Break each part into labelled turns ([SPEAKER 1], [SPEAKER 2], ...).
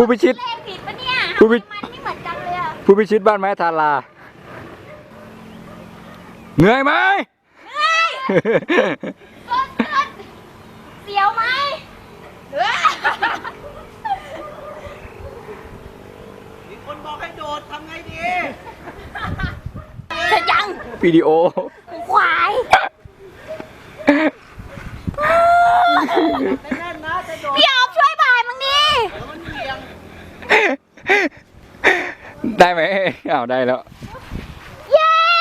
[SPEAKER 1] พิชิต
[SPEAKER 2] เลขผิดปะเนี่ย
[SPEAKER 1] ผู้พิ
[SPEAKER 2] มันไม่เหมือนกันเลยอะ
[SPEAKER 1] ผู้พิชิตบ้านไม้ทาราเหนื่อยไหม
[SPEAKER 2] ต้นเสียวไหม
[SPEAKER 3] มีคนบอกให้โดดทำไงดี
[SPEAKER 2] เสร็จยัง
[SPEAKER 1] วิดีโอ
[SPEAKER 2] ควาย
[SPEAKER 3] ไม่แน่นนะจะโดด
[SPEAKER 2] พี่ออฟช่วยพายมึงดิ
[SPEAKER 3] แล้วมันเอียง
[SPEAKER 1] ได้ไหมอ้าวได้แล้ว
[SPEAKER 2] เย้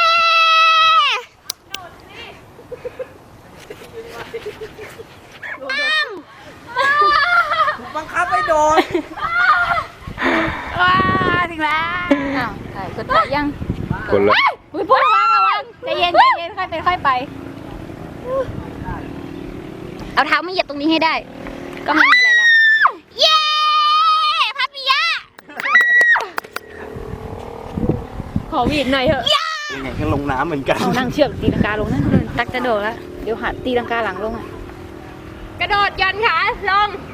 [SPEAKER 3] บังคับให้โดด
[SPEAKER 2] ว้าถึงแล้วอ้าวถ่ายกดถ่ายยัง
[SPEAKER 1] คนละ
[SPEAKER 2] อุ้ยพูดระวังใจเย็นค่อยเป็นค่อยไปเอาเท้ามาเหยียบตรงนี้ให้ได้ ก็ไม่มีอะไรแล้วเย้พับปิยะ
[SPEAKER 4] ขอหวีดหน่อยเถอะ
[SPEAKER 3] ยังไงก็ลงน้ำเหมือนกัน
[SPEAKER 4] เอานั่งเชือกตีลังกาลงนั่นตักจะโดดแล้ว เดี๋ยวหัดตีลังกาหลังลงอ่ะ
[SPEAKER 2] กระโดดยันขาลง